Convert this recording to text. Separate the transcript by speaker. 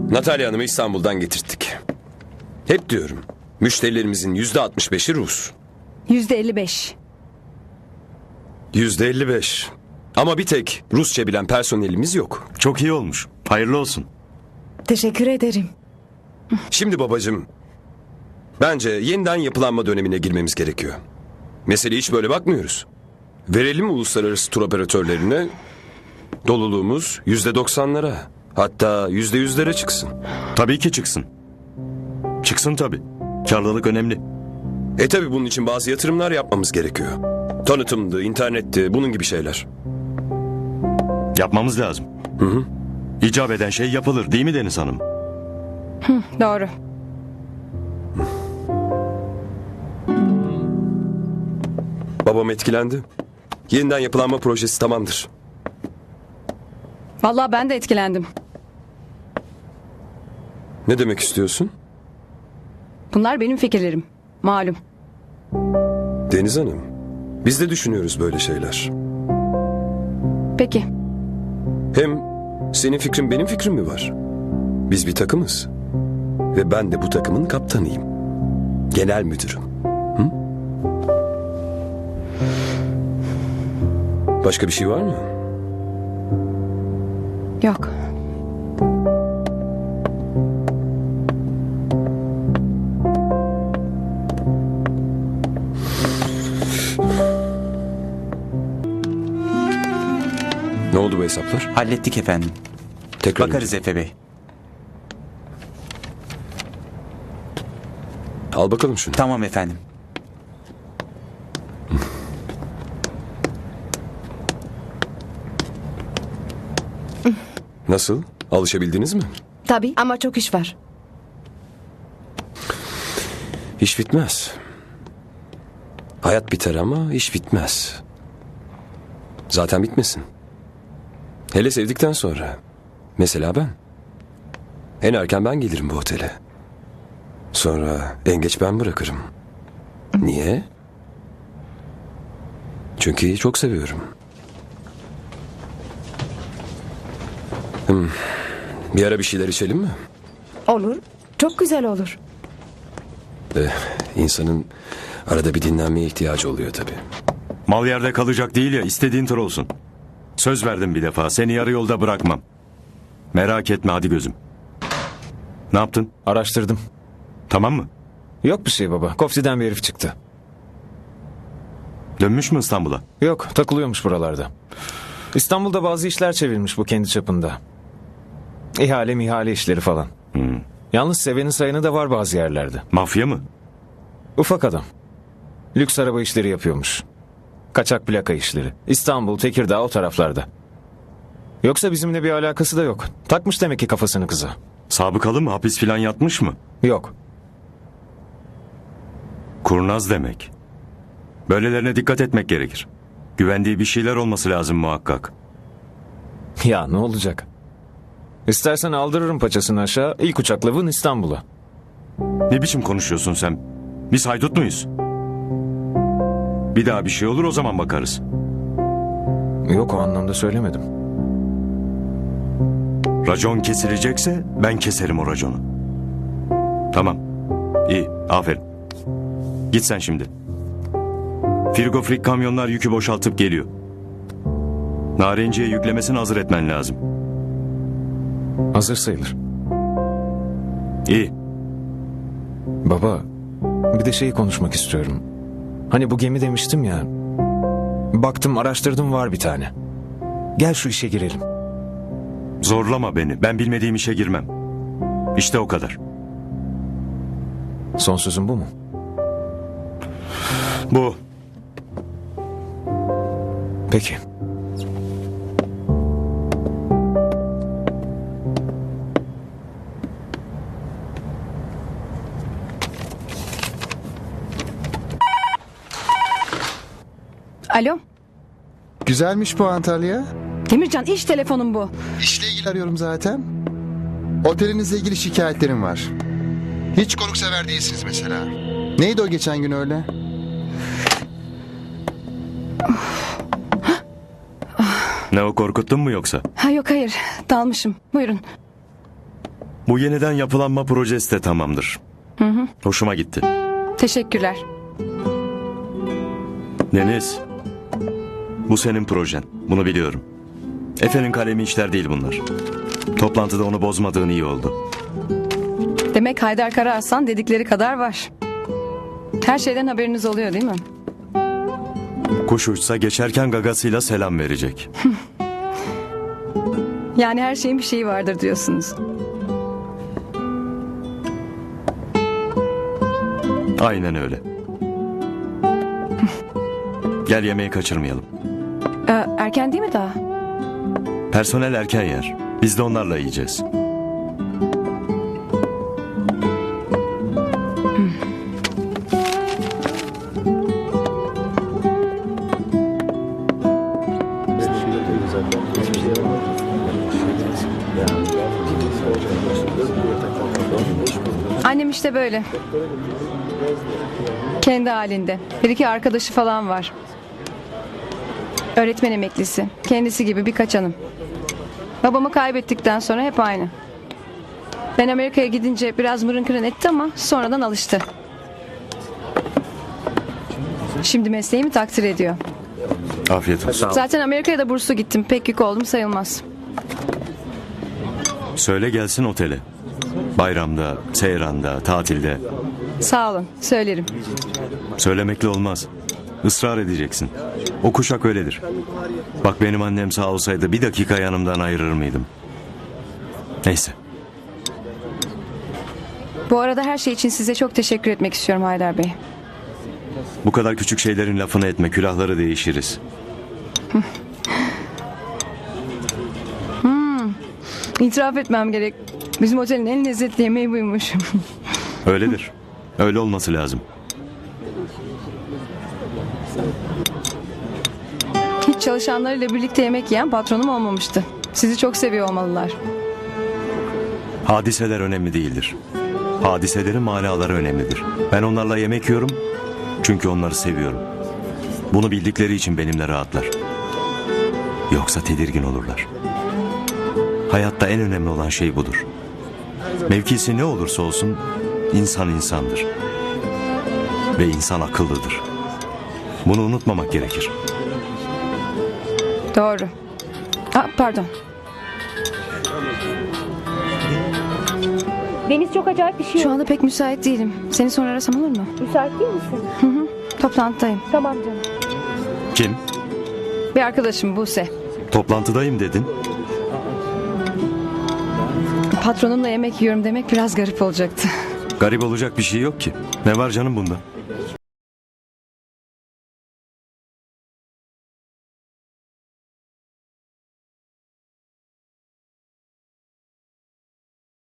Speaker 1: Natalya Hanım'ı İstanbul'dan getirttik. Hep diyorum, müşterilerimizin %65'i Rus.
Speaker 2: %55.
Speaker 1: %55. Ama bir tek Rusça bilen personelimiz yok.
Speaker 3: Çok iyi olmuş. Hayırlı olsun.
Speaker 2: Teşekkür ederim.
Speaker 1: Şimdi babacığım, bence yeniden yapılanma dönemine girmemiz gerekiyor. Meseleye hiç böyle bakmıyoruz. Verelim uluslararası tur operatörlerine, doluluğumuz %90'lara, hatta %100'lere çıksın.
Speaker 3: Tabii ki çıksın. Çıksın tabii. Karlılık önemli.
Speaker 1: Tabii bunun için bazı yatırımlar yapmamız gerekiyor. Tanıtımdı, internetti, bunun gibi şeyler.
Speaker 3: Yapmamız lazım. İcap eden şey yapılır değil mi Deniz Hanım?
Speaker 2: Doğru.
Speaker 1: Babam etkilendi. Yeniden yapılanma projesi tamamdır.
Speaker 2: Vallahi ben de etkilendim.
Speaker 1: Ne demek istiyorsun?
Speaker 2: Bunlar benim fikirlerim. Malum.
Speaker 1: Deniz Hanım, biz de düşünüyoruz böyle şeyler.
Speaker 2: Peki.
Speaker 1: Hem senin fikrin benim fikrim mi var? Biz bir takımız. Ve ben de bu takımın kaptanıyım. Genel müdürüm. Hı? Başka bir şey var mı?
Speaker 2: Yok.
Speaker 1: Ne oldu bu hesaplar?
Speaker 4: Hallettik efendim.
Speaker 1: Tekrar
Speaker 4: Bakarız Efe Bey.
Speaker 1: al bakalım şunu.
Speaker 4: Tamam efendim.
Speaker 1: Nasıl? Alışabildiniz mi?
Speaker 2: Tabii ama çok iş var.
Speaker 1: İş bitmez. Hayat biter ama iş bitmez. Zaten bitmesin. Hele sevdikten sonra. Mesela ben. En erken ben gelirim bu otele. Sonra en geç ben bırakırım. Niye? Çünkü çok seviyorum. Bir ara bir şeyler içelim mi?
Speaker 2: Olur. Çok güzel olur.
Speaker 1: İnsanın arada bir dinlenmeye ihtiyacı oluyor tabii.
Speaker 3: Mal yerde kalacak değil ya, istediğin tır olsun. Söz verdim bir defa, seni yarı yolda bırakmam. Merak etme hadi gözüm. Ne yaptın?
Speaker 5: Araştırdım.
Speaker 3: Tamam mı?
Speaker 5: Yok bir şey baba. Kofti'den bir herif çıktı.
Speaker 3: Dönmüş mü İstanbul'a?
Speaker 5: Yok, takılıyormuş buralarda. İstanbul'da bazı işler çevirmiş bu kendi çapında. İhale işleri falan. Yalnız seveni sayanı da var bazı yerlerde.
Speaker 3: Mafya mı?
Speaker 5: Ufak adam. Lüks araba işleri yapıyormuş. Kaçak plaka işleri. İstanbul, Tekirdağ o taraflarda. Yoksa bizimle bir alakası da yok. Takmış demek ki kafasını kıza.
Speaker 3: Sabıkalı mı? Hapis filan yatmış mı?
Speaker 5: Yok.
Speaker 3: Kurnaz demek. Böylelerine dikkat etmek gerekir. Güvendiği bir şeyler olması lazım muhakkak.
Speaker 5: Ya ne olacak? İstersen aldırırım paçasını aşağı. İlk uçakla vın İstanbul'a.
Speaker 3: Ne biçim konuşuyorsun sen? Biz haydut muyuz? Bir daha bir şey olur o zaman bakarız.
Speaker 5: Yok o anlamda söylemedim.
Speaker 3: Racon kesilecekse ben keserim o raconu. Tamam. İyi. Aferin. Git sen şimdi. Frigofrik kamyonlar yükü boşaltıp geliyor. Narenciye yüklemesini hazır etmen lazım.
Speaker 5: Hazır sayılır.
Speaker 3: İyi.
Speaker 5: Baba, bir de şeyi konuşmak istiyorum. Hani bu gemi demiştim ya. Baktım araştırdım var bir tane. Gel şu işe girelim.
Speaker 3: Zorlama beni. Ben bilmediğim işe girmem. İşte o kadar.
Speaker 5: Son sözün bu mu?
Speaker 3: Bu.
Speaker 5: Peki.
Speaker 2: Alo.
Speaker 6: Güzelmiş bu Antalya.
Speaker 2: Demircan iş telefonum bu.
Speaker 6: İşle ilgili arıyorum zaten. Otelinizle ilgili şikayetlerim var. Hiç konuksever değilsiniz mesela. Neydi o geçen gün öyle?
Speaker 3: Ne o, korkuttun mu yoksa?
Speaker 2: Ha yok hayır dalmışım. Buyurun.
Speaker 3: Bu yeniden yapılanma projesi de tamamdır. Hoşuma gitti.
Speaker 2: Teşekkürler.
Speaker 3: Deniz, bu senin projen. Bunu biliyorum. Efe'nin kalemi işler değil bunlar. Toplantıda onu bozmadığın iyi oldu.
Speaker 2: Demek Haydar Karaarsan dedikleri kadar var. Her şeyden haberiniz oluyor değil mi?
Speaker 3: Kuş uçsa geçerken gagasıyla selam verecek.
Speaker 2: Yani her şeyin bir şeyi vardır diyorsunuz.
Speaker 3: Aynen öyle. Gel yemeği kaçırmayalım.
Speaker 2: Erken değil mi daha?
Speaker 3: Personel erken yer. Biz de onlarla yiyeceğiz.
Speaker 2: Annem işte böyle. Kendi halinde. Bir iki arkadaşı falan var. Öğretmen emeklisi. Kendisi gibi birkaç hanım. Babamı kaybettikten sonra hep aynı. Ben Amerika'ya gidince biraz mırın kırın etti ama sonradan alıştı. Şimdi mesleğimi takdir ediyor.
Speaker 3: Afiyet olsun.
Speaker 2: Zaten Amerika'ya da burslu gittim. Pek yük oldum sayılmaz.
Speaker 3: Söyle gelsin otele. Bayramda, seyranda, tatilde.
Speaker 2: Sağ olun. Söylerim.
Speaker 3: Söylemekle olmaz. Israr edeceksin. O kuşak öyledir. Bak benim annem sağ olsaydı bir dakika yanımdan ayırır mıydım? Neyse.
Speaker 2: Bu arada her şey için size çok teşekkür etmek istiyorum Haydar Bey.
Speaker 3: Bu kadar küçük şeylerin lafını etme. Külahları değişiriz.
Speaker 2: İtiraf etmem gerek. Bizim otelin en lezzetli yemeği buymuş.
Speaker 3: Öyledir. Öyle olması lazım.
Speaker 2: Hiç çalışanlarıyla birlikte yemek yiyen patronum olmamıştı. Sizi çok seviyor olmalılar.
Speaker 3: Hadiseler önemli değildir. Hadiselerin manaları önemlidir. Ben onlarla yemek yiyorum çünkü onları seviyorum. Bunu bildikleri için benimle rahatlar. Yoksa tedirgin olurlar. Hayatta en önemli olan şey budur. Mevkisi ne olursa olsun insan insandır. Ve insan akıllıdır. Bunu unutmamak gerekir.
Speaker 2: Doğru. Pardon.
Speaker 4: Deniz çok acayip bir şey
Speaker 2: Şu
Speaker 4: oldu.
Speaker 2: anda pek müsait değilim. Seni sonra arasam olur mu?
Speaker 4: Müsait değil misin?
Speaker 2: Toplantıdayım.
Speaker 4: Tamam canım.
Speaker 3: Kim?
Speaker 2: Bir arkadaşım Buse.
Speaker 3: Toplantıdayım dedin.
Speaker 2: Patronumla yemek yiyorum demek biraz garip olacaktı.
Speaker 3: Garip olacak bir şey yok ki. Ne var canım bunda?